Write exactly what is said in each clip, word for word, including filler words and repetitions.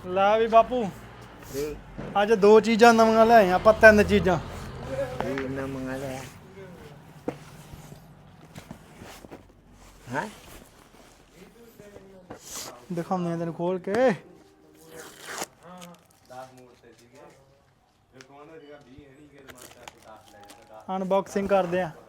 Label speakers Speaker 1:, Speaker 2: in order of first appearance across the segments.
Speaker 1: ਲੈ ਵੀ ਬਾਪੂ ਅੱਜ ਦੋ ਚੀਜ਼ਾਂ ਨਵੀਆਂ ਲੈ ਆਏ ਆਪਾਂ, ਤਿੰਨ ਚੀਜ਼ਾਂ
Speaker 2: ਨਵੀਆਂ ਲੈ ਹੈ
Speaker 1: ਦਿਖਾਉਂਦੇ ਆ ਤੈਨੂੰ ਖੋਲ ਕੇ। ਅਨਬਾਕਸਿੰਗ ਕਰਦੇ ਆ।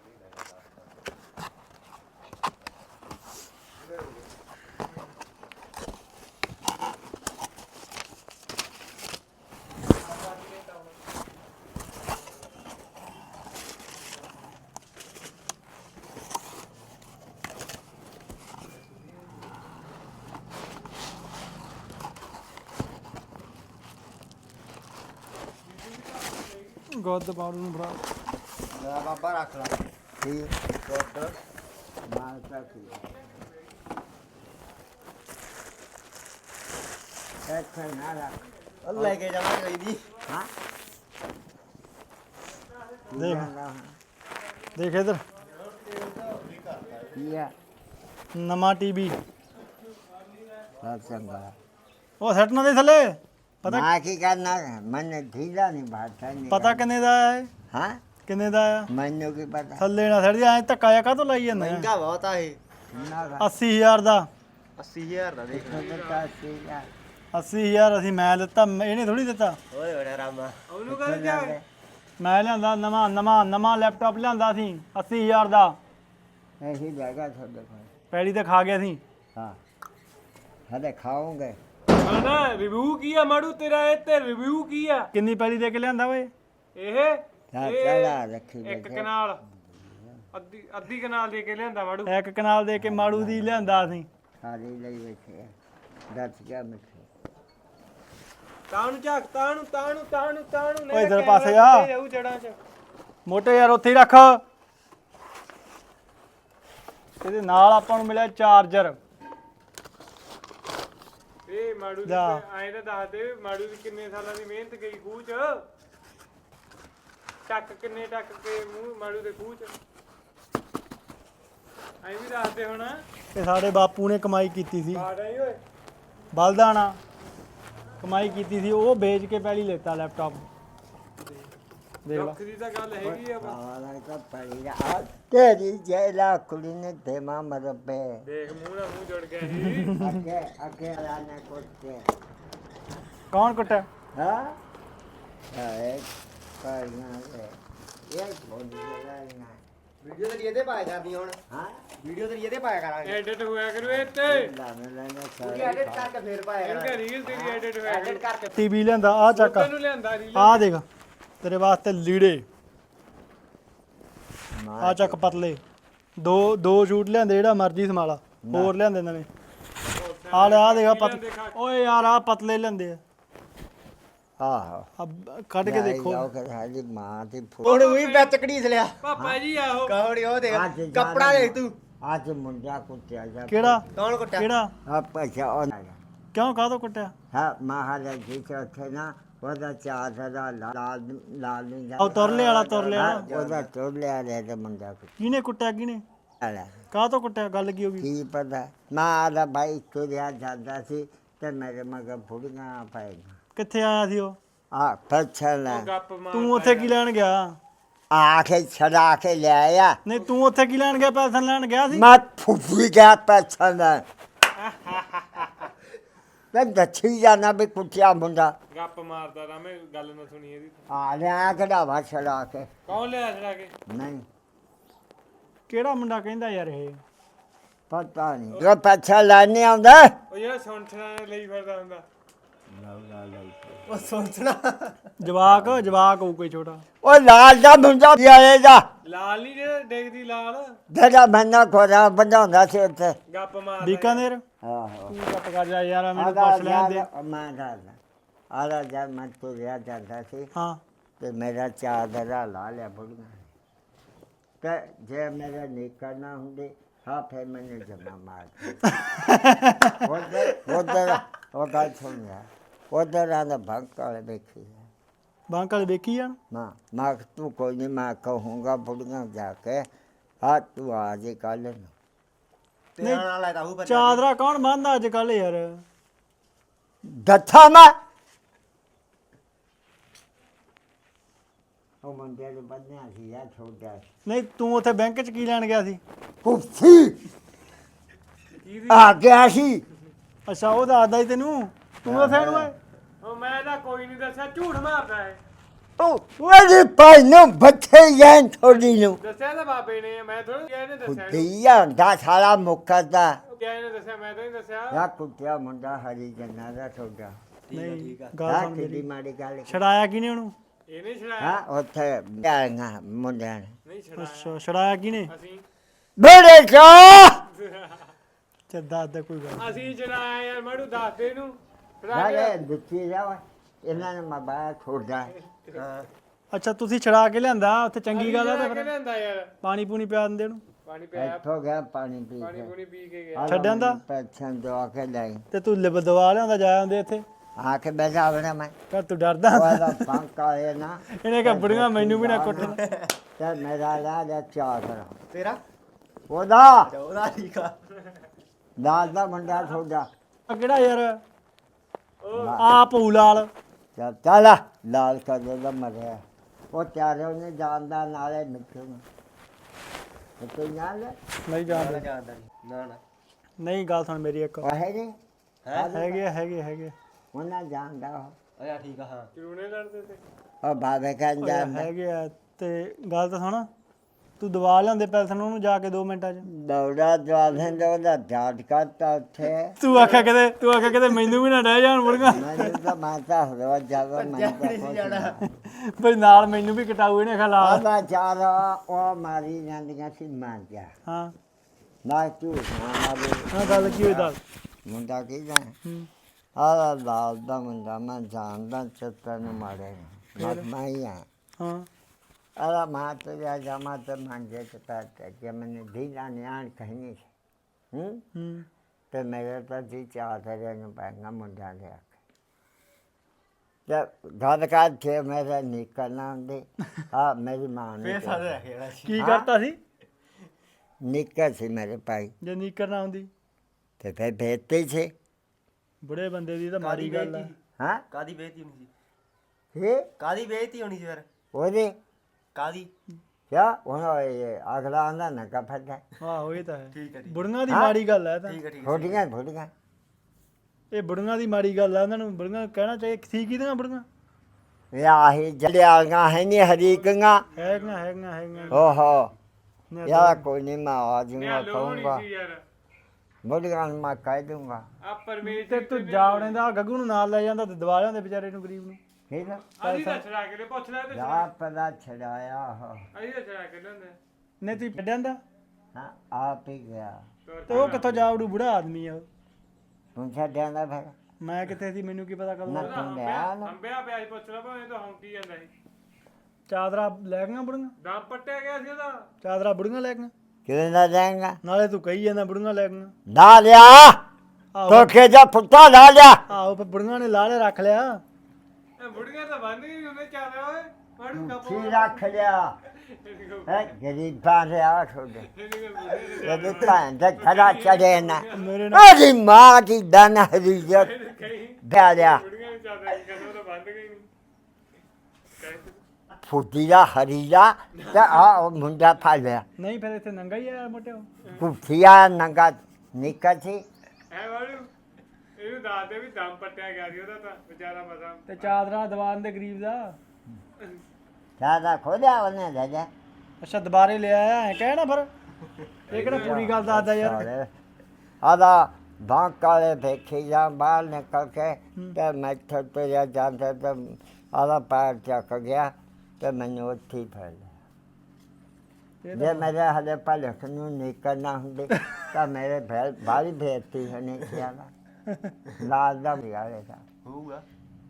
Speaker 1: ਗੁੱਦ ਪਾਉਣ ਨੂੰ ਭਰਾ
Speaker 2: ਲੈ ਬਾਬਾ ਰੱਖ ਲਾ ਠੀਕ ਦੁੱਧ ਮਾਲ ਤੱਕ ਇੱਕ ਨਾ ਰੱਖ ਲੈ ਕੇ ਜਾਵਾਂਗੇ ਦੀ ਹਾਂ
Speaker 1: ਦੇਖ ਦੇਖ ਇਧਰ
Speaker 2: ਕੀ ਹੈ
Speaker 1: ਨਵਾਂ ਟੀਵੀ
Speaker 2: ਚੰਗਾ
Speaker 1: ਉਹ ਸੈੱਟ ਨਾ ਦੇ ਥੱਲੇ ਪਤਾ
Speaker 2: ਮੈਂ ਕੀ ਕਰਨਾ ਮੈਨੂੰ ਢੀਲਾ ਨਹੀਂ ਬਾਟਾ ਨਹੀਂ
Speaker 1: ਪਤਾ ਕਿੰਨੇ ਦਾ ਹੈ
Speaker 2: ਹਾਂ
Speaker 1: ਕਿੰਨੇ ਦਾ ਆ
Speaker 2: ਮੈਨੂੰ ਕੀ ਪਤਾ
Speaker 1: ਥੱਲੇ ਨਾ ਸੜ ਜਾ ਐ ਧੱਕਾ ਜਾ ਕਾਹਤੋਂ ਲਾਈ ਜਾਂਦਾ
Speaker 3: ਮਹਿੰਗਾ ਬਹੁਤ ਆ ਇਹ
Speaker 2: ਕਿੰਨਾ ਦਾ
Speaker 1: ਅੱਸੀ ਹਜ਼ਾਰ ਦਾ
Speaker 3: ਅੱਸੀ ਹਜ਼ਾਰ ਦਾ ਦੇਖ
Speaker 1: ਅੱਸੀ ਹਜ਼ਾਰ ਅਸੀਂ ਮੈਂ ਦਿੱਤਾ ਇਹਨੇ ਥੋੜੀ ਦਿੱਤਾ
Speaker 3: ਓਏ ਓਏ ਰਾਮਾ
Speaker 2: ਉਹਨੂੰ ਕਰ ਜਾ
Speaker 1: ਮੈਂ ਲਿਆਂਦਾ ਨਵਾਂ ਨਵਾਂ ਨਵਾਂ ਲੈਪਟਾਪ ਲਿਆਂਦਾ ਸੀ ਅੱਸੀ ਹਜ਼ਾਰ ਦਾ
Speaker 2: ਇਹੀ ਜਗ੍ਹਾ ਤੁਹਾਡੇ ਕੋਲ
Speaker 1: ਪੈੜੀ ਤੇ ਖਾ ਗਿਆ ਸੀ।
Speaker 2: ਹਾਂ ਹਲੇ ਖਾਓਗੇ
Speaker 4: ਨਾ ਰਿਵਿਊ ਕੀ ਆ ਮਾੜੂ ਤੇਰਾ ਇਹ ਤੇ ਰਿਵਿਊ ਕੀ ਆ
Speaker 1: ਕਿੰਨੀ ਪੈੜੀ ਦੇ ਕੇ ਲਿਆਂਦਾ ਓਏ
Speaker 4: ਇਹ
Speaker 2: ਤਾਂ ਚੜਾ ਰੱਖੀ
Speaker 4: ਇੱਕ ਕਨਾਲ ਅੱਧੀ ਅੱਧੀ ਕਨਾਲ ਦੇ ਕੇ ਲਿਆਂਦਾ ਮਾੜੂ
Speaker 1: ਇੱਕ ਕਨਾਲ ਦੇ ਕੇ ਮਾੜੂ ਦੀ ਲਿਆਂਦਾ ਸੀ।
Speaker 2: ਸਾਰੀ ਲਈ ਬੈਠੇ ਦੱਸ ਗਿਆ ਮਿੱਠੇ
Speaker 4: ਤਾਣੂ ਝਾਕ ਤਾਣੂ ਤਾਣੂ ਤਾਣੂ ਤਾਣੂ
Speaker 1: ਓਏ ਇੱਧਰ ਪਾਸੇ ਆ।
Speaker 4: ਜਾਊ ਜੜਾਂ ਚ
Speaker 1: ਮੋਟੇ ਯਾਰ ਉੱਥੇ ਹੀ ਰੱਖ। ਇਹਦੇ ਨਾਲ ਆਪਾਂ ਨੂੰ ਮਿਲਿਆ ਚਾਰਜਰ।
Speaker 4: ਇਹ ਮਾੜੂ ਦੀ
Speaker 1: ਜਾ।
Speaker 4: ਐਂ ਤਾਂ ਦੱਸ ਦੇ ਮਾੜੂ ਦੀ ਕਿੰਨੇ ਸਾਲਾਂ ਦੀ ਮਿਹਨਤ ਗਈ ਖੂਹ ਚ ਟੱਕ ਕਿੰਨੇ ਟੱਕ ਕੇ ਮੂੰਹ ਮਾੜੂ ਦੇ ਖੂਹ ਚ ਐਂ ਵੀ ਦੱਸ ਦੇ ਹੁਣ
Speaker 1: ਤੇ ਸਾਡੇ ਬਾਪੂ ਨੇ ਕਮਾਈ ਕੀਤੀ ਸੀ
Speaker 4: ਬਾੜਾ ਹੀ ਓਏ
Speaker 1: ਬਲਦਾਣਾ ਕਮਾਈ ਕੀਤੀ ਸੀ ਉਹ ਵੇਚ ਕੇ ਪਹਿਲੀ ਲੈਤਾ ਲੈਪਟਾਪ। ਦੇਖ ਲਾ
Speaker 4: ਦੁੱਖ ਦੀ ਤਾਂ ਗੱਲ ਹੈਗੀ ਆ ਬਸ।
Speaker 2: ਆਲਾ ਕਾ ਪੜੀ ਆ ਤੇਰੀ ਜੈਲਾ ਕੁੜੀ ਨੇ ਤੇ ਮਾ ਮਰਬੇ
Speaker 4: ਦੇਖ ਮੂੰਹ ਨਾਲ ਮੂੰਹ ਜੁੜ ਗਿਆ ਸੀ
Speaker 2: ਅੱਗੇ ਅੱਗੇ ਆਨੇ ਕੋਤੇ
Speaker 1: ਕੌਣ ਕੁੱਟਿਆ?
Speaker 2: ਹਾਂ ਇਹ ਕਾਇਨਾ ਹੈ ਇਹ ਬੋਲੀ ਜਲਾਣਾ
Speaker 3: ਵੀਡੀਓ ਤੇ ਇਹਦੇ ਪਾਇਆ ਕਰਦੀ ਹੁਣ
Speaker 2: ਹਾਂ
Speaker 3: ਵੀਡੀਓ ਤੇ ਇਹਦੇ ਪਾਇਆ ਕਰਾਂਗੇ
Speaker 4: ਐਡਿਟ ਹੋਇਆ ਕਰੂ ਇਹ ਤੇ
Speaker 2: ਲਾਣੇ ਲਾਣੇ
Speaker 3: ਕਿਉਂਕਿ
Speaker 2: ਸਾਰੇ
Speaker 3: ਐਡਿਟ ਕਰਕੇ ਫੇਰ ਪਾਇਆ
Speaker 4: ਇਹਦਾ
Speaker 3: ਕਰਾਂਗੇ
Speaker 4: ਰੀਲ ਤੇ ਵੀ ਐਡਿਟ ਹੋਇਆ
Speaker 3: ਐਡਿਟ
Speaker 4: ਕਰੂ
Speaker 3: ਕਰਕੇ
Speaker 1: ਟੀਵੀ ਲਿਆਂਦਾ ਆ ਚੱਕ
Speaker 4: ਤੈਨੂੰ ਲਿਆਂਦਾ ਰੀਲ
Speaker 1: ਆ ਦੇਖ ਤੇਰੇ ਵਾਸਤੇ ਲੀੜੇ
Speaker 2: ਮਾਂ
Speaker 1: ਆ ਚੱਕ ਪਤਲੇ ਦੋ ਦੋ ਸ਼ੂਟ ਲਿਆਂਦੇ ਜਿਹੜਾ ਮਰਜ਼ੀ ਸਮਾਲਾ ਹੋਰ ਲਿਆਂਦੇ ਨਵੇਂ ਆ ਲੈ ਆ ਦੇਖ ਪਤ ਓਏ ਯਾਰ ਆ ਪਤਲੇ ਲਿਆਂਦੇ ਆ
Speaker 2: ਆਹੋ
Speaker 1: ਆ ਕੱਢ ਕੇ ਦੇਖੋ
Speaker 2: ਜਾਓ ਕਿ ਸਾਡੀ ਮਾਂ ਦੀ
Speaker 3: ਹੁਣ ਉਹੀ ਵਿੱਚ ਕੜੀਸ ਲਿਆ
Speaker 4: ਪਾਪਾ ਜੀ ਆਹੋ
Speaker 3: ਕਹੋੜੀ ਉਹ ਦੇਖ
Speaker 2: ਅੱਜ ਜਾ
Speaker 3: ਕੱਪੜਾ ਦੇਖ ਤੂੰ
Speaker 2: ਅੱਜ ਮੁੰਡਾ ਕੁੱਤਿਆ ਜਾ
Speaker 1: ਕਿਹੜਾ
Speaker 3: ਕੌਣ ਕੁੱਟਿਆ
Speaker 1: ਕਿਹੜਾ
Speaker 2: ਆ ਪੈਸਾ ਉਹ
Speaker 1: ਕਿਉਂ ਕਾਹਤੋਂ ਕੁੱਟਿਆ?
Speaker 2: ਹਾਂ ਮਹਾਰਾਜ ਜੀ ਚ ਉੱਥੇ ਨਾ ਉਹਦਾ ਚਾਰ ਦਾ ਲਾਲ ਲਾਲ ਨਹੀਂ
Speaker 1: ਉਹ ਤੁਰਲੇ ਵਾਲਾ ਤੁਰਲੇ ਵਾਲਾ
Speaker 2: ਉਹਦਾ ਤੁਰ ਲਿਆ ਰਿਹਾ ਤੇ ਮੁੰਡਾ
Speaker 1: ਕਿਹਨੇ ਕੁੱਟਿਆ ਕਿਹਨੇ
Speaker 2: ਕੁੱਤਿਆ
Speaker 1: ਕਾਹਤੋਂ ਕੁੱਟਿਆ ਗੱਲ ਕੀ ਹੋ ਗਈ?
Speaker 2: ਕੀ ਪਤਾ ਮਾਂ ਦਾ ਭਾਈ ਤੁਰਿਆ ਜਾਂਦਾ ਸੀ ਤੇ ਮੇਰੇ ਮਗਰ ਫੁੜੀਆਂ ਪਾਏਗਾ
Speaker 1: ਕਿੱਥੇ ਆਇਆ ਸੀ ਉਹ?
Speaker 2: ਆ ਪਛਲ
Speaker 4: ਉਹ ਗੱਪ ਮਾਰ
Speaker 1: ਤੂੰ ਉੱਥੇ ਕੀ ਲੈਣ ਗਿਆ?
Speaker 2: ਆ ਕੇ ਛੜਾ ਕੇ ਲਿਆਇਆ
Speaker 1: ਨਹੀਂ ਤੂੰ ਉੱਥੇ ਕੀ ਲੈਣ ਗਿਆ? ਪੈਸਾ ਲੈਣ ਗਿਆ ਸੀ?
Speaker 2: ਮੈਂ ਫੁੱਫੀ ਗਿਆ ਪਛਲ ਮੈਂ ਦੱਸੀ ਜਾਣਾ ਵੀ ਕੁੱਤਿਆ ਮੁੰਡਾ
Speaker 4: ਗੱਪ ਮਾਰਦਾ ਰਾਮੇ ਗੱਲ ਨਾ ਸੁਣੀ ਇਹਦੀ
Speaker 2: ਆ ਲਿਆ ਕਢਾਵਾ ਛੜਾ ਕੇ
Speaker 4: ਕੌਣ ਲਿਆ ਛੜਾ ਕੇ
Speaker 2: ਨਹੀਂ
Speaker 1: ਕਿਹੜਾ ਮੁੰਡਾ ਕਹਿੰਦਾ ਯਾਰ ਇਹ?
Speaker 2: ਪਤਾ ਨਹੀਂ ਜੋ ਪਛਲ ਲੈਣੇ ਆਉਂਦਾ
Speaker 4: ਉਹ ਜਿਹੜਾ ਸੁਣਛਣਾ ਲਈ ਫਿਰਦਾ ਹੁੰਦਾ
Speaker 3: ਉਹ ਸੋਚਣਾ
Speaker 1: ਜਵਾਕ ਜਵਾਕ ਹੋਊ ਕੋਈ ਛੋਟਾ।
Speaker 2: ਉਹ ਲਾਲ ਦਾ ਮੁੰਡਾ ਵੀ ਆਏਗਾ
Speaker 4: ਲਾਲ ਨਹੀਂ ਜਿਹੜਾ ਡੇਗਦੀ ਲਾਲ
Speaker 2: ਜਿਹੜਾ ਬੰਦਾ ਖੋਰਾ ਬੰਦਾ ਸੀ ਉੱਥੇ
Speaker 4: ਗੱਪ ਮਾਰਦਾ
Speaker 1: ਬੀਕਾਨੇਰ
Speaker 2: ਆਹੋ
Speaker 1: ਤੂੰ ਕੱਟ ਕਰ ਜਾ ਯਾਰ ਮੈਨੂੰ
Speaker 2: ਆਦਾ
Speaker 1: ਪੁੱਛ ਲੈਣ ਦੇ।
Speaker 2: ਮੈਂ ਦੱਸਦਾ ਆਦਾ ਜਦ ਮੈਂ ਤੁਰਿਆ ਜਾਂਦਾ ਸੀ
Speaker 1: ਹਾਂ
Speaker 2: ਤੇ ਮੇਰਾ ਚਾਦਰਾ ਲਾ ਲਿਆ ਬੁੜੀਆਂ ਤੇ ਜੇ ਮੇਰਾ ਨਿਕਲਣਾ ਹੁੰਦੇ ਹਾਂ ਫੇ ਮੈਨੂੰ ਜਮਾ ਮਾਰ ਉਧਰ ਉਧਰ ਉਹ ਗੱਲ ਸੁਣਿਆ ਉਧਰ ਆਂਦਾ ਭੰਕ ਵਾਲੇ ਵੇਖੀ
Speaker 1: ਬਾਂਕ ਵਾਲੇ ਵੇਖੀ ਜਾਣ।
Speaker 2: ਮਾਂ ਮਾਂ ਤੂੰ ਕੋਈ ਨਹੀਂ ਮੈਂ ਕਹੂੰਗਾ ਬੁੜੀਆਂ ਜਾ ਕੇ ਹਾਂ ਤੂੰ ਆ ਜੇ ਕੱਲ ਨੂੰ
Speaker 3: ਤੇਰਾ ਨਾਲ ਲਾਇਆ ਹੂ ਬੱਚਾ
Speaker 1: ਚਾਦਰਾ ਕੌਣ ਬੰਨਦਾ ਅੱਜ ਕੱਲ ਯਾਰ?
Speaker 2: ਦੱਸਾਂ ਮੈਂ ਉਹ ਮੁੰਡੇ ਨੂੰ ਬੰਨਿਆ ਸੀ ਯਾ ਛੋਟਾ
Speaker 1: ਨਹੀਂ ਤੂੰ ਉੱਥੇ ਬੈਂਕ 'ਚ ਕੀ ਲੈਣ ਗਿਆ ਸੀ?
Speaker 2: ਕੁਫੀ ਆ ਗਿਆ ਸੀ
Speaker 1: ਅੱਛਾ ਉਹ ਦੱਸਦਾ ਸੀ ਤੈਨੂੰ, ਤੂੰ ਦੱਸਿਆ ਇਹਨੂੰ ਓਏ?
Speaker 4: ਉਹ ਮੈਂ ਤਾਂ ਕੋਈ ਨਹੀਂ ਦੱਸਿਆ, ਝੂਠ ਮਾਰਦਾ ਹੈ।
Speaker 2: ਉਹ ਉਹਦੇ ਭਾਈ ਨੂੰ ਬੱਚੇ ਜਾਂ ਥੋੜੀ ਨੂੰ
Speaker 4: ਦੱਸਿਆ ਤਾਂ ਬਾਬੇ ਨੇ, ਮੈਂ ਥੋੜਾ ਕਿਹਾ ਇਹਨੇ ਦੱਸਿਆ ਇਹਨੂੰ।
Speaker 2: ਕੁੱਤੀਆ ਦਾ ਸਾਰਾ ਮੁੱਕਦਾ
Speaker 4: ਕਿਹਾ ਇਹਨੇ ਦੱਸਿਆ, ਮੈਂ ਤਾਂ ਨਹੀਂ ਦੱਸਿਆ।
Speaker 2: ਯਾ ਕੁੱਤਿਆ ਮੁੰਡਾ ਹਰੀ ਜੰਨਾ ਦਾ ਛੋਟਾ
Speaker 1: ਨਹੀਂ
Speaker 2: ਆ
Speaker 1: ਗੱਲ ਸੁਣ
Speaker 2: ਕਿੱਡੀ
Speaker 1: ਮੇਰੀ,
Speaker 2: ਮਾੜੀ ਗੱਲ
Speaker 1: ਛੜਾਇਆ ਕਿਨੇ ਉਹਨੂੰ?
Speaker 4: ਇਹਨੇ ਛੜਾਇਆ
Speaker 2: ਹਾਂ ਉੱਥੇ ਗਾਂਗਾ ਮੁੰਡਿਆਂ ਨੇ
Speaker 4: ਨਹੀਂ ਛੜਾਇਆ
Speaker 1: ਅੱਛਾ ਛੜਾਇਆ ਕਿਨੇ?
Speaker 4: ਅਸੀਂ
Speaker 2: ਬੜੇ ਚਾ
Speaker 1: ਚੱਦਾ ਅੱਦਾ ਕੋਈ ਗੱਲ
Speaker 4: ਅਸੀਂ ਛੜਾਇਆ ਯਾਰ, ਮਾੜੂ ਦੱਸ ਦੇ ਇਹਨੂੰ।
Speaker 2: ਨਾਲੇ ਦਿੱਤੀ ਜਾਵਾ ਇਹਨਾਂ ਨੇ ਮਬਾਇਆ ਛੋੜਦਾ
Speaker 3: ਹਾਂ
Speaker 1: ਅੱਛਾ ਤੁਸੀਂ ਛੜਾ ਕੇ ਲਿਆਂਦਾ ਉੱਥੇ, ਚੰਗੀ ਗੱਲ ਆ ਤੇ
Speaker 4: ਕਿ
Speaker 1: ਫਿਰ
Speaker 4: ਲੈਂਦਾ ਯਾਰ,
Speaker 1: ਪਾਣੀ ਪੂਣੀ ਪਿਆ ਦਿੰਦੇ ਉਹਨੂੰ
Speaker 4: ਪਾਣੀ ਪਿਆ,
Speaker 2: ਇੱਥੋਂ ਗਿਆ ਪਾਣੀ ਪੀ
Speaker 4: ਪਾਣੀ
Speaker 2: ਕੇ
Speaker 4: ਪੂਣੀ ਪੀ ਕੇ ਗਿਆ।
Speaker 1: ਛੱਡ ਆਂਦਾ?
Speaker 2: ਪੈਛਾਂ ਦਵਾ ਕੇ ਲਈ
Speaker 1: ਤੇ ਤੂੰ ਲਿਬ ਦਵਾ ਲਿਆਉਂਦਾ ਜਾ ਆਉਂਦੇ ਇੱਥੇ,
Speaker 2: ਆ ਕੇ ਬੈਠਾ ਬਣਾ ਮੈਂ
Speaker 1: ਕਹ ਤੂੰ ਡਰਦਾ?
Speaker 2: ਉਹਦਾ ਪੰਕਾ ਹੈ ਨਾ
Speaker 1: ਇਹਨੇ ਕਹ ਬੁੜੀਆਂ ਮੈਨੂੰ ਵੀ ਨਾ ਕੁੱਟਣ।
Speaker 2: ਤੇ ਮੇਰਾ ਲਾ ਦਾ ਚਾਹ ਕਰ
Speaker 3: ਤੇਰਾ
Speaker 2: ਉਹਦਾ
Speaker 3: ਉਹਦਾ ਠੀਕ ਆ
Speaker 2: ਦਾਲ ਦਾ ਮੁੰਡਾ ਛੋੜਾ
Speaker 1: ਆ ਕਿਹੜਾ ਯਾਰ ਆ ਭੂ ਲਾਲ?
Speaker 2: ਚੱਲ ਚੱਲ ਲਾਲ ਕਰ ਦਾ ਮਰਿਆ ਉਹ ਚਾਰੇ ਉਹਨੇ ਜਾਣਦਾ ਨਾਲੇ ਮਿੱਠੂ ਨੂੰ ਮਿੱਠੂ ਨਾਲ
Speaker 1: ਨਹੀਂ ਜਾਣਦੇ,
Speaker 3: ਜਾਣਦਾ ਨਹੀਂ ਨਾ ਨਾ
Speaker 1: ਨਹੀਂ ਗੱਲ ਸੁਣ ਮੇਰੀ ਇੱਕ,
Speaker 2: ਉਹ ਹੈ ਜੀ
Speaker 1: ਹੈਗੇ ਆ, ਹੈਗੇ ਹੈਗੇ
Speaker 2: ਉਹਨਾਂ ਜਾਣਦਾ ਉਹ
Speaker 3: ਅੱਛਾ ਠੀਕ ਆ ਹਾਂ
Speaker 4: ਚਰੂਣੇ ਲੜਦੇ ਤੇ
Speaker 2: ਉਹ ਬਾਬੇ ਕਹਿੰਦਾ
Speaker 1: ਓਏ ਹੈਗੇ ਆ ਤੇ ਗੱਲ ਤਾਂ ਸੁਣ, ਤੂੰ ਦਵਾ ਲਿਆਂਦੇ ਪੈਸੇ ਨੂੰ ਉਹਨੂੰ ਜਾ ਕੇ ਦੋ ਮਿੰਟਾਂ 'ਚ।
Speaker 2: ਦੌੜਾ ਜਵਾਬ ਦਿੰਦਾ ਉਹਦਾ ਜਾਟ ਕਰਤਾ ਉੱਥੇ
Speaker 1: ਤੂੰ ਆਖਿਆ ਕਿਤੇ, ਤੂੰ ਆਖਿਆ ਕਿਤੇ ਮੈਨੂੰ ਵੀ ਨਾ ਡਹਿ ਜਾਣ ਬੁੜੀਆਂ,
Speaker 2: ਮੈਨੂੰ ਤਾਂ ਮਾਤਾ ਹੋਇਆ ਜਾਵਾ ਮੈਂ ਤਾਂ ਜਾਣਾ
Speaker 1: ਬਈ ਨਾਲ ਮੈਨੂੰ ਵੀ ਕਟਾਊ ਇਹਨੇ ਖਲਾ।
Speaker 2: ਆਦਾ ਚਾਰ ਉਹ ਮਾਰੀ ਜਾਂਦੀਆਂ ਸੀ ਮਾਰ ਜਾ
Speaker 1: ਹਾਂ
Speaker 2: ਨਾ ਤੂੰ ਮਾਰੇ
Speaker 1: ਹਾਂ ਗੱਲ ਕੀ ਹੋਈ ਦੱਸ?
Speaker 2: ਮੁੰਡਾ ਕੀ ਜਾ
Speaker 1: ਹੂੰ
Speaker 2: ਆਦਾ ਲਾਲ ਦਾ ਮੁੰਡਾ ਮੈਂ ਜਾਣਦਾ ਚੱਤਰ ਨੂੰ ਮਾਰੇ ਮੈਂ ਮੈਂ ਆ
Speaker 1: ਹਾਂ
Speaker 2: ਅਰਾ ਮਾਂ ਤੇ ਜਾ ਜਮਾ ਤੇ ਮੰਗੇ ਤੇ ਪੈਟ ਕਿ ਮੈਨੂੰ ਢੀਲਾ ਨਿਆਣ ਕਹਿਨੀ ਹੂੰ
Speaker 1: ਹੂੰ
Speaker 2: ਤੇ ਮੇਰੇ ਤਾਂ ਜੀ ਚਾਹ ਤੇ ਨੂੰ ਪੈਗਾ ਮੁੰਡਾ ਲਿਆ ਤੇ ਗੱਲ ਕਰ ਕੇ ਮੇਰੇ ਨਿਕਲਣਾ ਹੁੰਦੇ ਆ ਮੇਰੀ ਮਾਂ ਨੇ
Speaker 3: ਫੇਰ ਸਾਰੇ ਰਹਿ ਗਿਆ ਸੀ
Speaker 1: ਕੀ
Speaker 2: ਹਾਂ?
Speaker 1: ਕਰਤਾ ਸੀ
Speaker 2: ਨਿਕਲ ਸੀ ਮੇਰੇ ਭਾਈ
Speaker 1: ਜੇ ਨੀਕਰ ਨਾ ਹੁੰਦੀ?
Speaker 2: ਤੇ ਫਿਰ ਭੇਜਤੇ ਸੀ
Speaker 1: ਬੁੜੇ ਬੰਦੇ ਦੀ ਤਾਂ ਮਾੜੀ ਗੱਲ ਆ।
Speaker 2: ਹਾਂ
Speaker 3: ਕਾਦੀ ਬੇਇੱਜ਼ਤੀ ਹੋਣੀ ਸੀ
Speaker 2: ਇਹ
Speaker 3: ਕਾਦੀ ਬੇਇੱਜ਼ਤੀ ਹੋਣੀ ਸੀ ਫਿਰ
Speaker 2: ਉਹਦੇ
Speaker 3: ਕਾਦੀ
Speaker 2: ਕਿਆ ਉਹਨਾਂ ਇਹ ਅਗਲਾ ਆਂਦਾ ਨਾ ਕਾ ਫਟਾ
Speaker 1: ਆਹੋ ਇਹ ਤਾਂ ਹੈ,
Speaker 3: ਠੀਕ ਹੈ ਠੀਕ
Speaker 1: ਬੁੜੀਆਂ ਦੀ
Speaker 2: ਹਾਂ?
Speaker 1: ਮਾੜੀ ਗੱਲ ਹੈ ਇਹ ਤਾਂ,
Speaker 3: ਠੀਕ ਹੈ ਠੀਕ ਹੈ
Speaker 2: ਫੋਟੀਆਂ ਫੋਟੀਆਂ
Speaker 1: ਇਹ ਬੁੜੀਆਂ ਦੀ ਮਾੜੀ ਗੱਲ ਆ, ਉਹਨਾਂ ਨੂੰ ਬੁੜੀਆਂ ਕਹਿਣਾ ਚਾਹੀਏ ਸੀ ਕਿਹਦੀਆਂ ਬੁੜੀਆਂ
Speaker 2: ਯਾਹੀ ਜਲਿਆਂਗਾ ਹੈ ਨਹੀਂ ਹਰੀਕਾਂ
Speaker 1: ਹੈਗੀਆਂ ਹੈਗੀਆਂ ਹੈਗੀਆਂ
Speaker 2: ਓਹੋ
Speaker 1: ਨੇ
Speaker 2: ਯਾਰ ਕੋਈ ਨਹੀਂ ਮੈਂ ਆ
Speaker 4: ਨਿਆ
Speaker 2: ਜੂੰਗਾ
Speaker 4: ਲੋਹਣੀ
Speaker 2: ਕਹੂੰਗਾ
Speaker 4: ਸੀ ਯਾਰ,
Speaker 2: ਬੋਲੀਆਂ ਨੂੰ ਮੈਂ ਕਹਿ ਦੂੰਗਾ
Speaker 4: ਆ ਪਰਮੇਸ਼ਰ
Speaker 1: ਤੇ ਤੂੰ ਜਾਵੜੇ ਦਾ ਗੱਗੂ ਨੂੰ ਨਾਲ ਲੈ ਜਾਂਦਾ ਤੇ ਦਵਾ ਲਿਆਉਂਦੇ ਵਿਚਾਰੇ ਨੂੰ, ਗਰੀਬ ਨੂੰ।
Speaker 2: ਠੀਕ ਹੈ
Speaker 4: ਅਸੀਂ ਤਾਂ ਛੜਾ ਕੇ ਲੈ ਪੁੱਛ ਲੈ ਤੇ
Speaker 2: ਜਾ ਪਤਾ ਛੜਾਇਆ ਹੋ
Speaker 4: ਅਸੀਂ ਤਾਂ ਛੜਾ ਕੇ ਲੈਂਦੇ
Speaker 1: ਨਹੀਂ ਤੂੰ ਛੱਡਿਆਂ ਦਾ
Speaker 2: ਹਾਂ ਆਪ ਹੀ ਗਿਆ
Speaker 1: ਤੇ ਉਹ ਕਿੱਥੋਂ ਜਾਵੜੂ, ਬੁੜਾ ਆਦਮੀ ਆ ਉਹ।
Speaker 2: ਤੂੰ ਛੱਡਿਆ ਨਾ ਫਿਰ
Speaker 1: ਮੈਂ ਕਿੱਥੇ ਸੀ, ਮੈਨੂੰ ਕੀ ਪਤਾ ਕਦੋਂ
Speaker 2: ਨਾ
Speaker 1: ਦਾ।
Speaker 2: ਤੂੰ ਲਿਆ ਨਾ
Speaker 4: ਅੰਬਿਆ ਪਿਆ ਸੀ, ਪੁੱਛ ਲੈ ਭਾਵੇਂ ਤਾਂ ਹੌਂਕੀ ਜਾਂਦਾ ਸੀ।
Speaker 1: ਚਾਦਰਾ ਲੈ ਗਈਆਂ ਬੁੜੀਆਂ?
Speaker 4: ਦਮ ਪੱਟਿਆ ਗਿਆ ਸੀ ਉਹਦਾ।
Speaker 1: ਚਾਦਰਾ ਬੁੜੀਆਂ ਲੈ ਗਈਆਂ?
Speaker 2: ਕਿਵੇਂ ਨਾ ਜਾਏਗਾ
Speaker 1: ਨਾਲੇ ਤੂੰ ਕਹੀ ਜਾਂਦਾ ਬੁੜੀਆਂ ਲੈ ਗਈਆਂ।
Speaker 2: ਨਾ ਲਿਆ
Speaker 1: ਆਹੋ
Speaker 2: ਤੋਖੇ ਜਾ ਪੁੱਤਾ ਲਾ ਲਿਆ
Speaker 1: ਆਹੋ ਫਿਰ ਬੁੜੀਆਂ ਨੇ ਲਾ ਲੈ ਰੱਖ ਲਿਆ।
Speaker 4: ਇਹ ਬੁੜੀਆਂ ਤਾਂ ਬੰਦ ਗਈ ਉਹਨੇ ਚਾਦਰਾ ਓਏ, ਮਾੜੂ ਕੱਪੋ
Speaker 2: ਕੀ ਰੱਖ ਲਿਆ ਹੈ ਗਰੀਬਾਂ ਦੇ ਆ ਛੋੜੇ ਇਹ ਭੈਣ ਦੇ ਖੜਾ ਚੜੇ ਨਾ
Speaker 1: ਮੇਰੇ ਨਾਲ
Speaker 2: ਉਹਦੀ ਮਾਂ ਦੀ ਦਨ ਹਰੀਜਤ
Speaker 4: ਕਹੀਂ
Speaker 2: ਬੈ ਲਿਆ
Speaker 4: ਬੁੜੀਆਂ ਨੇ ਚਾਦਰਾ ਕੀ ਕਰਨਾ, ਉਹ ਤਾਂ ਬੰਦ ਗਈ ਨਹੀਂ
Speaker 2: ਫੁੱਟੀ ਦਾ ਹਰੀਜਾ ਤੇ ਆ ਉਹ ਮੁੰਡਾ ਫੜ ਲਿਆ
Speaker 1: ਨਹੀਂ ਫਿਰ ਇੱਥੇ ਨੰਗਾ ਹੀ ਆ ਮੋਟਿਓ।
Speaker 2: ਕੁੱਠੀਆ ਨੰਗਾ ਨਿਕਲ ਸੀ
Speaker 4: ਐ ਮਾੜੂ ਇਹਨੂੰ ਦੱਸ ਦੇ ਵੀ ਦਮ ਪੱਟਿਆ ਗਿਆ ਸੀ ਉਹਦਾ ਤਾਂ ਵਿਚਾਰਾ ਮਸਾਂ।
Speaker 1: ਤੇ ਚਾਦਰਾ ਦਵਾਨ ਦੇ ਗਰੀਬ ਦਾ।
Speaker 2: ਦਾਦਾ ਖੋਲਿਆ ਉਹਨੇ ਲੈ ਜਾ
Speaker 1: ਅੱਛਾ ਦੁਬਾਰੇ ਲੈ ਆਇਆ ਐ ਕਹਿ ਨਾ ਫਿਰ, ਇਹ ਕਿਹੜਾ ਪੂਰੀ ਗੱਲ ਦੱਸਦਾ ਯਾਰ।
Speaker 2: ਆਦਾ ਬਾਂਕ ਵਾਲੇ ਵੇਖੀ ਜਾ ਬਾਹਰ ਨਿਕਲ ਕੇ ਤੇ ਮੈਂ ਤੇ ਜਾ ਜਾਂਦਾ ਤੇ ਆਦਾ ਪੈਰ ਚੱਕ ਗਿਆ ਤੇ ਮੈਨੂੰ ਉੱਥੇ ਹੀ ਫੜ ਲਿਆ।
Speaker 1: ਇਹ
Speaker 2: ਜੇ ਮੇਰੇ ਹਲੇ ਭਲਕ ਨੂੰ ਨਿਕਲਣਾ ਹੁੰਦੇ ਤਾਂ ਮੇਰੇ ਭੈਲ ਬਾਰੀ ਭੇਜਤੀ ਹੈ ਨਹੀਂ ਕਿਹਾ ਲਾਲ ਦਾ ਬਿਆਰੇ ਦਾ
Speaker 3: ਹੋਊਗਾ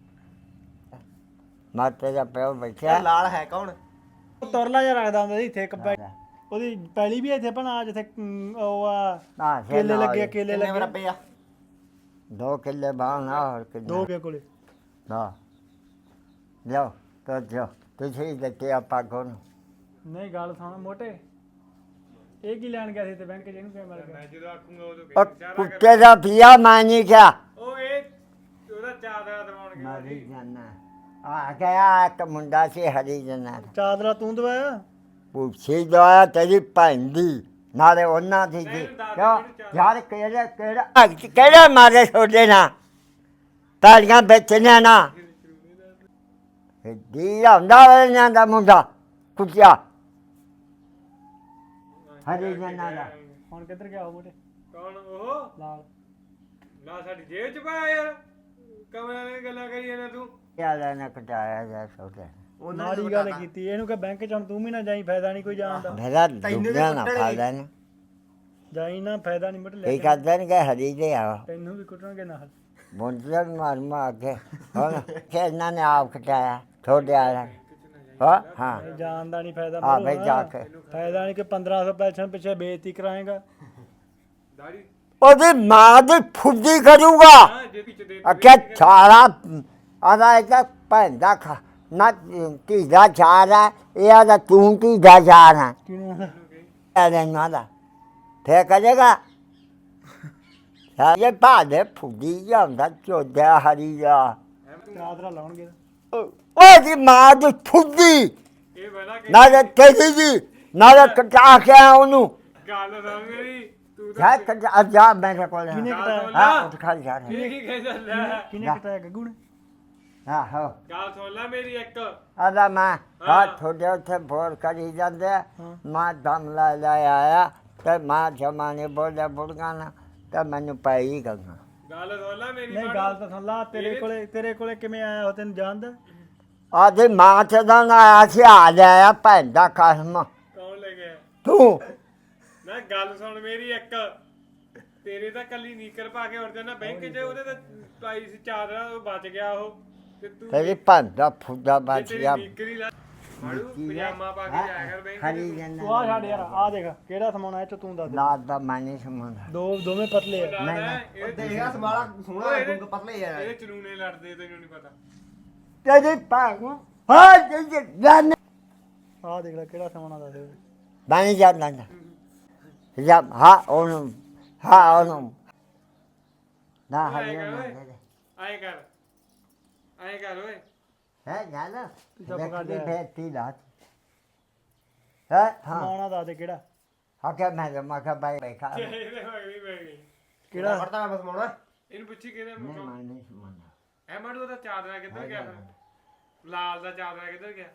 Speaker 2: ਮਾਤੇ ਦਾ ਪਿਓ
Speaker 3: ਇਹ
Speaker 2: ਬੈਠਿਆ
Speaker 3: ਲਾਲ ਹੈ ਕੌਣ?
Speaker 1: ਤਾਂ ਤੁਰਲਾ ਜਿਹਾ ਰੱਖਦਾ ਹੁੰਦਾ ਸੀ ਇੱਥੇ ਇੱਕ ਪੈ- ਉਹਦੀ ਪੈਲੀ ਵੀ ਇੱਥੇ ਭਣਾ ਜਿੱਥੇ ਅਮ, ਉਹ ਆ
Speaker 2: ਨਾ
Speaker 1: ਕੇਲੇ ਲੱਗੇ ਆ, ਕੇਲੇ
Speaker 3: ਕਿੰਨੇ
Speaker 1: ਲੱਗੇ
Speaker 3: ਮਰਬੇ ਆ?
Speaker 2: ਦੋ ਕਿੱਲੇ ਬਾਣਾ ਹੋਰ
Speaker 1: ਦੋ
Speaker 2: ਕਿੱਲੇ
Speaker 1: ਕੇ ਕੋਲੇ।
Speaker 2: ਨਾ ਜਾਓ ਤੋ ਜਾਓ ਤੁਸੀਂ ਦਿੱਤੇ ਆਪਾਂ ਕੋਲ
Speaker 1: ਨਹੀਂ ਗੱਲ ਸੁਣ ਮੋਟੇ, ਇਹ ਕੀ ਲੈਣ ਗਿਆ ਸੀ ਤੇ ਬੈਂਕ 'ਚ, ਇਹਨੂੰ ਕਿਵੇਂ ਮਿਲ ਗਿਆ?
Speaker 4: ਮੈਂ ਜਦੋਂ ਆਖੂੰਗਾ ਉਦੋਂ
Speaker 2: ਉਹ
Speaker 4: ਕਹੀਂ ਚਾਰਾ
Speaker 2: ਕੁੱਤੇ ਦਾ ਪਿਆ ਮੈਂ ਨਹੀਂ ਕਿਹਾ
Speaker 4: ਉਹ ਇਹ ਉਹਦਾ ਚਾਰ
Speaker 2: ਹਰੀ ਜਾਨਾ ਆ ਗਿਆ ਇੱਕ ਮੁੰਡਾ ਸੀ ਹਰੀ ਜਾਨਾ
Speaker 1: ਚਾਦਰਾ ਤੂੰ ਦਵਾਇਆ
Speaker 2: ਪੁੱਛੀ ਦਵਾਇਆ ਤੇਰੀ ਭੈਣ ਦੀ ਨਾਲੇ ਉਹਨਾਂ ਦੀ ਜੀ ਕਿਉਂ ਯਾਰ ਕਿਹੜੇ ਕਿਹੜਾ ਕਿਹੜੇ ਮਾਰੇ ਛੋਡੇ ਨਾ ਤਾਲੀਆਂ ਵੇਚਣੀਆਂ ਨਾ ਦੀ ਹੁੰਦਾ ਉਹਨਾਂ ਦਾ ਮੁੰਡਾ ਕੁੱਤਿਆ ਹਰੀ ਜਾਨਾ ਦਾ
Speaker 1: ਹੁਣ ਕਿੱਧਰ ਗਿਆ ਉਹ ਮੋਟੇ
Speaker 4: ਕੌਣ ਉਹ
Speaker 1: ਲਾਲ
Speaker 4: ਨਾ ਸਾਡੀ ਜੇਬ ਚ ਪਾਇਆ ਯਾਰ ਕਮਲਿਆਂ ਨੇ ਗੱਲਾਂ ਕਰੀ ਜਾਂਦਾ ਤੂੰ
Speaker 2: ਯਾਰ ਨਾ ਕਟਾਇਆ ਜਾ ਛੋਟੇ
Speaker 1: ਮਾੜੀ ਗੱਲ ਕੀਤੀ ਇਹਨੂੰ ਕਿ ਬੈਂਕ ਚ ਹੁਣ ਤੂੰ ਵੀ ਨਾ ਜਾਈ ਫਾਇਦਾ ਨਹੀਂ ਕੋਈ ਜਾਣ ਦਾ
Speaker 2: ਮੇਰਾ ਦੁੱਗਿਆ ਨਾ ਫਾਇਦਾ ਨਾ
Speaker 1: ਜਾਈ ਨਾ ਫਾਇਦਾ ਨਹੀਂ ਮਟ ਲੈ
Speaker 2: ਇਹ ਕਰਦੇ ਨੇ ਕਿ ਹਰੀ ਦੇ ਆ
Speaker 1: ਤੈਨੂੰ ਵੀ ਕੁੱਟਣਗੇ ਨਾਲ
Speaker 2: ਮੁੰਡੇ ਮਾਰ ਮਾਰ ਕੇ ਹੁਣ ਕਿ ਇਹਨਾਂ ਨੇ ਆਪ ਕਟਾਇਆ ਛੋਟੇ ਆਇਆ ਹਾਂ ਹਾਂ
Speaker 1: ਇਹ ਜਾਣ ਦਾ ਨਹੀਂ ਫਾਇਦਾ
Speaker 2: ਆ ਬਈ ਜਾ ਕੇ
Speaker 1: ਫਾਇਦਾ ਨਹੀਂ ਕਿ ਪੰਦਰਾਂ ਸੌ ਪੈਨਸ਼ਨ ਪਿੱਛੇ ਬੇਇੱਜ਼ਤੀ ਕਰਾਏਗਾ
Speaker 4: ਦਾੜੀ
Speaker 2: ਉਹਦੀ ਮਾਂ ਦੀ ਫੁੱਦੀ ਕਰੂਗਾ
Speaker 4: ਹਾਂ ਜੇ ਪਿੱਛੇ ਦੇ
Speaker 2: ਅਕੇ ਛਾਲਾ ਆਦਾ ਇੱਕ ਭੈਣ ਦਾ ਖਾ ਨਾ ਤੀ ਦਾ ਛਾਲਾ ਇਹ ਆਦਾ ਤੂੰ ਤੀ ਦਾ ਛਾਲਾ
Speaker 1: ਕਿਹਨੂੰ ਆਂਦਾ?
Speaker 2: ਇਹਦੇ ਨਾਲ ਦਾ ਫੇਰ ਕਰੇਗਾ ਇਹ ਬਾਦੇ ਫੁੱਦੀ ਜਾਂਦਾ ਚੋਦਾ ਹਰੀ ਜਾ
Speaker 1: ਚਾਦਰਾ ਲਾਉਣਗੇ
Speaker 2: ਉਹਦੀ ਮਾਂ ਦੀ ਫੁੱਦੀ
Speaker 4: ਇਹ ਬਣਾ ਕੇ
Speaker 2: ਨਾਲੇ ਤੇਰੀ ਦੀ ਨਾਲੇ ਕਟਾ ਕੇ ਉਹਨੂੰ
Speaker 4: ਗੱਲ ਸੁਣ ਮੇਰੀ ਤੂੰ ਤਾਂ
Speaker 2: ਜਾ ਕਟਾ ਜਾ ਮੇਰੇ ਕੋਲ
Speaker 1: ਕਿਹਨੇ
Speaker 4: ਗੱਲ
Speaker 1: ਕਟਾਇਆ
Speaker 4: ਸੁਣ
Speaker 2: ਹਾਂ
Speaker 4: ਲਾ
Speaker 2: ਉੱਠ ਖਾ ਜਾ
Speaker 4: ਇਹ ਕੀ ਕਹਿ ਚੱਲਿਆ
Speaker 1: ਕਿਹਨੇ ਕਟਾਇਆ ਗੱਗੂ ਨੇ
Speaker 2: ਹਾਂ ਹੋ
Speaker 4: ਗੱਲ ਸੁਣ ਲੈ ਮੇਰੀ ਇੱਕ
Speaker 2: ਆਦਾ ਮੈਂ
Speaker 4: ਹਾਂ।
Speaker 2: ਹਾਂ ਤੁਹਾਡੇ ਉੱਥੇ ਫੋਰ ਕਰੀ ਜਾਂਦੇ ਮੈਂ ਦਮ ਲੈ ਲੈ ਆਇਆ ਤੇ ਮੈਂ ਜਮਾਨੇ ਬੋਲੇ ਬੁੜਗਾ ਨਾ ਤੇ ਮੈਨੂੰ ਪਈ ਗੰਗਾ
Speaker 4: ਗੱਲ ਸੁਣ ਲੈ ਮੇਰੀ
Speaker 1: ਨਹੀਂ ਗੱਲ ਤਾਂ ਸੁਣ ਲਾ ਤੇਰੇ ਕੋਲੇ ਤੇਰੇ ਕੋਲੇ ਕਿਵੇਂ ਆਇਆ ਉਹ ਤੈਨੂੰ ਜਾਣਦਾ
Speaker 2: ਆਦੇ ਮਾਂ ਤੇ ਦਾ ਨਾ ਆਇਆ ਸੀ ਆ ਜਾਇਆ ਭੈਣ ਦਾ ਕਸਮ
Speaker 4: ਕੌਣ ਲੈ ਗਿਆ
Speaker 2: ਤੂੰ
Speaker 4: ਨਾ ਗੱਲ ਸੁਣ ਮੇਰੀ ਇੱਕ ਤੇਰੇ ਤਾਂ ਕੱਲੀ ਨੀਕਰ ਪਾ ਕੇ ਉੜ ਜਾਣਾ ਬੈਂਕ 'ਚ ਉਹਦੇ ਤਾਂ ਪਾਈ ਸੀ ਚਾਦਰਾ ਉਹ ਬਚ ਗਿਆ ਉਹ ਤੇ ਤੂੰ
Speaker 2: ਤੇਰੀ ਭੈਣ ਦਾ ਫੁੱਦਾ
Speaker 4: ਜੇ
Speaker 2: ਬਚ
Speaker 4: ਤੇਰੀ
Speaker 2: ਗਿਆ
Speaker 4: ਨੀਕਰ ਹੀ ਲਾ ਮਾੜੂ ਪਜਾਮਾ ਪਾ ਕੇ ਜਾਇਆ ਕਰ ਬੈਂਕ
Speaker 2: ਹਰੀ
Speaker 4: 'ਚ
Speaker 2: ਜੰਨਾ
Speaker 1: ਤੂੰ ਆ ਛੱਡ ਯਾਰ ਆ ਦੇਖ ਕਿਹੜਾ ਸਮਾਉਣਾ ਇਹ ਚ ਤੂੰ ਦੱਸ ਦੇ।
Speaker 2: ਲਾਦ ਦਾ ਮਾਨੀ ਸਮਝਦਾ
Speaker 1: ਦੋ ਦੋਵੇਂ ਪਤਲੇ ਆ
Speaker 4: ਨਹੀਂ ਨਹੀਂ
Speaker 3: ਦੇਖਿਆ ਸਮਾਲਾ ਸੋਹਣਾ ਲੱਗੂਗਾ ਪਤਲੇ ਯਾਰ
Speaker 4: ਇਹਦੇ ਚਨੂਨੇ ਲੜਦੇ ਤੈਨੂੰ ਨਹੀਂ ਪਤਾ
Speaker 2: ਤੇਰੀ ਭੈਣ ਹਾਂ ਜੀ ਜਨ
Speaker 1: ਆ ਦੇਖ ਲੈ ਕਿਹੜਾ ਸਮਾਉਣਾ ਦੱਸ ਦੇ।
Speaker 2: ਬਾਣੀ ਜਾਂਦਾ ਜਾ ਹਾਂ ਉਹਨੂੰ ਹਾਂ ਉਹਨੂੰ ਨਾ ਹਰੀ
Speaker 4: ਆਏਂ ਕਰ ਓਏ
Speaker 2: ਜੰਨਾ
Speaker 4: ਆਏਂ ਕਰ ਆਏਂ ਕਰ ਓਏ
Speaker 2: ਹੈ ਜਾਨਾ
Speaker 1: ਚੁੱਪ ਕਰ ਜਾ।
Speaker 2: ਬੇਟੀ ਲਾਤ ਹੈ ਹਾਂ
Speaker 1: ਸਮਾਉਣਾ ਦੱਸ ਦੇ ਕਿਹੜਾ
Speaker 2: ਹਾਂ ਕਿ ਮੈਂ ਜਮਾ ਕਾ ਬਾਈ ਬੈਠਾ
Speaker 4: ਇਹਦੇ ਮਗਰੀ ਪੈ ਗਈ
Speaker 1: ਕਿਹੜਾ
Speaker 3: ਪੜਦਾ ਮੈਂ ਬਸ ਮਾਉਣਾ
Speaker 4: ਇਹਨੂੰ ਪੁੱਛੀ ਕਿਹਦੇ
Speaker 2: ਨਹੀਂ
Speaker 4: ਮੁੱਕਾ
Speaker 2: ਮਾਨੀ ਸਮਝਦਾ
Speaker 4: ਐ ਮਾੜੂ ਉਹਦਾ ਚਾਦਰਾ ਕਿੱਧਰ ਗਿਆ ਫਿਰ ਲਾਲ ਦਾ ਚਾਦਰਾ ਕਿੱਧਰ ਗਿਆ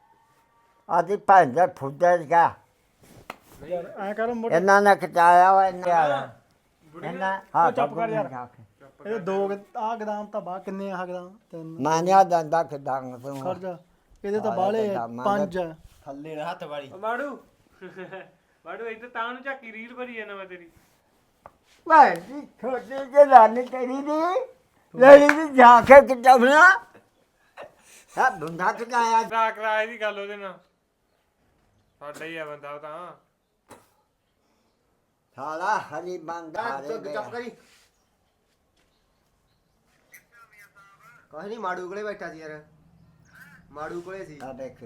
Speaker 2: ਆਦੀ ਭੈਣ ਦਾ ਫੁੱਦਾ ਗਿਆ
Speaker 1: ਯਾਰ ਐ ਕਰ ਮੋਟੇ
Speaker 2: ਇਹਨਾਂ ਨੇ ਕਟਾਇਆ ਵਾ ਇਹਨਾਂ ਇਹਨਾਂ ਹਾਂ
Speaker 1: ਉਹ ਚੁੱਪ ਕਰ ਯਾਰ।
Speaker 2: ਜਾ ਕੇ।
Speaker 1: ਇਹ ਦੋ ਆ ਗਦਾਮ ਤਾਂ ਬਾ ਕਿੰਨੇ ਆ ਗਦਾਮ ਤਿੰਨ
Speaker 2: ਮਾਨਿਆ ਦੰਦਾ ਖਡਾਂਗ
Speaker 1: ਖੜ
Speaker 2: ਤੂੰ
Speaker 1: ਜਾ ਇਹਦੇ ਤਾਂ ਬਾਲੇ ਆ, ਪੰਜ ਆ।
Speaker 3: ਥੱਲੇ ਨਾ ਹੱਥ ਵਾਲੀ
Speaker 4: ਓ ਮਾੜੂ ਮਾੜੂ ਇੱਧਰ ਤਾਂ ਨੂੰ ਝਾਕੀ ਰੀਲ ਭਰੀ ਜਾਂਦਾ ਮੈਂ ਤੇਰੀ
Speaker 2: ਭੈਣ ਦੀ ਛੋਟੀ ਜਿਹੀ ਲਾਨੀ ਤੇਰੀ ਦੀ ਲੜੀ ਦੀ ਜਾ ਕੇ ਕਿਟਵਣਾ ਸਭ ਬੰਦਾ ਕਟਾਇਆ
Speaker 4: ਕਰਾ ਕਰਾ ਇਹਦੀ ਗੱਲ ਉਹਦੇ ਨਾਲ ਸਾਡਾ ਹੀ ਆ ਬੰਦਾ ਉਹ ਤਾਂ
Speaker 2: ਸਾਲਾ ਹਰੀ ਬੰਦਾ
Speaker 3: ਚੁੱਪ ਚੁੱਪ ਕਰੀ ਕੋਈ ਨਹੀਂ ਮਾੜੂ ਕੋਲੇ ਬੈਠਾ ਸੀ ਯਾਰ ਮਾੜੂ ਕੋਲੇ ਸੀ
Speaker 2: ਆ ਦੇਖ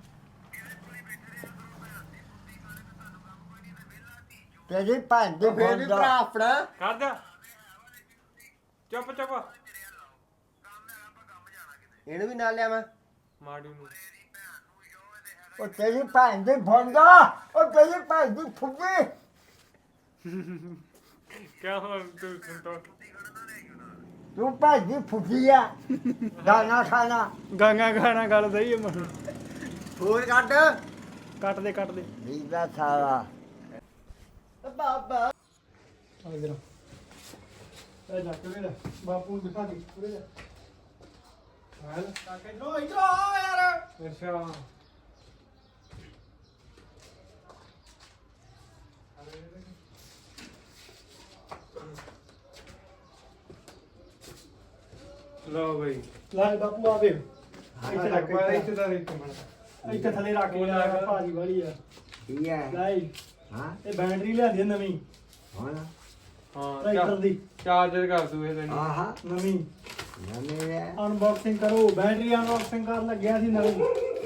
Speaker 2: ਤੇਰੀ ਭੈਣ ਦੀ
Speaker 3: ਫੇਰ ਵੀ ਭਰਾ
Speaker 2: ਬੰਦਾ
Speaker 3: ਆਪਣਾ
Speaker 4: ਕਰ ਜਾ ਚੁੱਪ ਚੁੱਪ
Speaker 3: ਇਹਨੂੰ ਵੀ ਨਾਲ ਲਿਆ ਮੈਂ
Speaker 4: ਮਾੜੂ ਨੂੰ
Speaker 2: ਉਹ ਤੇਰੀ ਭੈਣ ਦੀ ਬੰਦਾ ਉਹ ਤੇਰੀ ਭੈਣ ਦੀ ਫੁੱਗੀ
Speaker 4: ਕਿਉਂ ਹੁਣ ਤੂੰ ਸੰਤੋ
Speaker 2: ਤੂੰ ਭੈਣ ਦੀ ਫੁੱਗੀ ਆ ਦਾਣਾ ਖਾਣਾ
Speaker 1: ਗਾਂਗਾ ਗਾਣਾ ਗੱਲ ਸਹੀ ਹੈ ਮਨ
Speaker 3: ਹੋਰ ਕੱਢ
Speaker 1: ਕੱਟ ਦੇ ਕੱਟ ਦੇ
Speaker 2: ਵੀਦਾ ਸਾਲਾ
Speaker 3: ਬਾਬਾ
Speaker 1: ਆ ਇਧਰ ਇਹ ਜਾ ਕੇ ਲੈ ਬਾਪੂ ਨੂੰ ਦਿਖਾ ਦੇ ਉਰੇ ਜਾ ਹਾਲ ਕਾਕੇ ਇਧਰੋਂ ਇਧਰੋਂ ਆ ਯਾਰ ਅੱਛਾ
Speaker 4: ਲੋ ਬਈ
Speaker 1: ਲੈ ਬਾਪੂ ਆ ਵੇ ਇੱਥੇ ਰੱਖ
Speaker 4: ਇੱਥੇ
Speaker 1: ਇੱਥੇ
Speaker 4: ਤਾਂ ਇੱਕ ਮਿੰਟ
Speaker 1: ਇੱਥੇ ਥੱਲੇ ਰੱਖ ਲੈ ਭਾਜੀ ਵਾਲੀ ਆ
Speaker 2: ਕੀ ਹੈ
Speaker 1: ਲੈ
Speaker 2: ਹਾਂ
Speaker 1: ਇਹ ਬੈਟਰੀ ਲਿਆਂਦੀ ਆ ਨਵੀਂ
Speaker 2: ਹੁਣ
Speaker 4: ਹਾਂ
Speaker 1: ਟਰੈਕਟਰ ਦੀ
Speaker 4: ਚਾਰਜਰ ਕਰ ਦੂ ਇਹ ਤੈਨੂੰ
Speaker 2: ਆਹਾ
Speaker 1: ਨਵੀਂ
Speaker 2: ਨਵੇਂ ਹੈ
Speaker 1: ਅਨਬਾਕਸਿੰਗ ਕਰੋ ਬੈਟਰੀ ਅਨਬਾਕਸਿੰਗ ਕਰਨ ਲੱਗਿਆ ਸੀ ਨਵੀਂ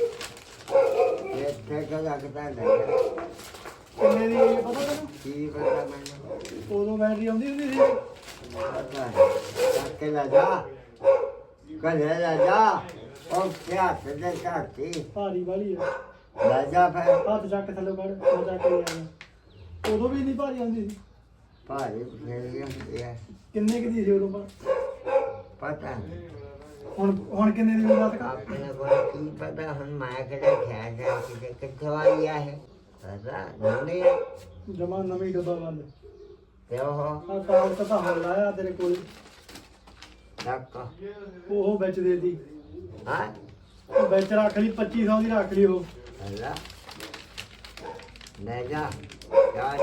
Speaker 2: ਇੱਥੇ ਕਾ ਲੱਗਦਾ ਨਹੀਂ
Speaker 1: ਕਿੰਨੇ ਦੀ ਆਈ ਹੈ ਪਤਾ ਤੈਨੂੰ
Speaker 2: ਕੀ ਪਤਾ ਮੈਨੂੰ
Speaker 1: ਉਦੋਂ ਬੈਟਰੀ ਆਉਂਦੀ ਹੁੰਦੀ ਸੀ
Speaker 2: ਪਤਾ ਹੈ ਕੇ ਲਾ ਜਾ ਕਦੇ ਲੈ ਜਾ ਉਹ ਕਿਆ ਸਦੇ ਕਾਤੀ
Speaker 1: ਭਾਰੀ ਵਾਲੀ ਆ
Speaker 2: ਲੈ ਜਾ ਫਿਰ
Speaker 1: ਹੱਥ ਚੱਕ ਥੱਲੇ ਕੱਢ ਮੈਂ ਚੱਕ ਕੇ ਲਿਆ ਉਦੋਂ ਵੀ ਨਹੀਂ ਭਾਰੀ ਆਉਂਦੀ ਸੀ
Speaker 2: ਭਾਰੀ ਫੇਰ ਹੁੰਦੀ ਹੈ
Speaker 1: ਕਿੰਨੇ ਕੁ ਦੀ ਸੀ ਉਦੋਂ ਪਰ
Speaker 2: ਪਤਾ ਨਹੀਂ
Speaker 1: ਹੁਣ ਹੁਣ ਕਿੰਨੇ ਦੀ ਬਾਤ ਕਰ
Speaker 2: ਆਪਣੇ ਕੋਲ ਕੀ ਪਤਾ ਹੁਣ ਮੈਂ ਕਿਹੜਾ ਖਿਆ ਜਾ ਕਿ ਕਿੱਥੋਂ ਆਈ ਹੈ ਪਤਾ ਨਹੀਂ
Speaker 1: ਜਮਾ ਨਵੀਂ ਡੱਬਾ ਬੰਦ
Speaker 2: ਤੇ ਉਹ
Speaker 1: ਆ ਕਾਲ ਤਾਂ ਹੁਣ ਲਾਇਆ ਤੇਰੇ ਕੋਲ
Speaker 2: ਚੱਕ
Speaker 1: ਉਹ ਵਿੱਚ ਦੇ ਦੀ
Speaker 2: ਹਾਂ
Speaker 1: ਉਹ ਵਿੱਚ ਰੱਖ ਲਈ ਪੱਚੀ ਸੌ ਦੀ ਰੱਖ ਲਈ ਉਹ
Speaker 2: ਅੱਲਾ ਲੈ ਜਾ ਜਾ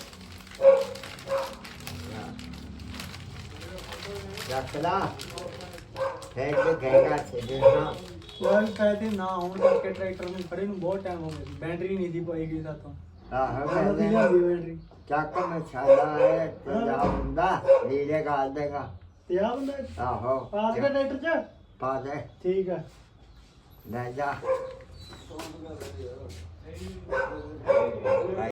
Speaker 2: ਰੱਖ ਲਾ ਫੇਰ ਕੇ ਕਹੇਗਾ ਸਿੱਧੇ ਨਾ
Speaker 1: ਯਾਰ ਕਹਤੇ ਨਾ ਹੋਣ ਕਰਕੇ ਟਰੈਕਟਰ ਨੂੰ ਖੜੇ ਨੂੰ ਬਹੁਤ ਟਾਈਮ ਹੋ ਗਿਆ ਸੀ ਬੈਟਰੀ ਨਹੀਂ ਸੀ ਪਾਈ ਗਈ ਸਾਤੋਂ
Speaker 2: ਆਹ
Speaker 1: ਮੈਂ
Speaker 2: ਮੈਂ
Speaker 1: ਲਿਆਂਦੀ ਬੈਟਰੀ
Speaker 2: ਚੱਕ ਮੈਂ ਛਾਲਾ ਹੈ ਤੇ ਜਾ ਹੁੰਦਾ ਨੀਲੇ ਗਾਲ ਦੇਗਾ
Speaker 1: ਤੇ ਆ ਬੰਦਾ
Speaker 2: ਆਹੋ
Speaker 1: ਪਾਸ ਕੇ ਟਰੈਕਟਰ ਚ
Speaker 2: ਪਾ ਦੇ
Speaker 1: ਠੀਕ ਆ
Speaker 2: ਲੈ ਜਾ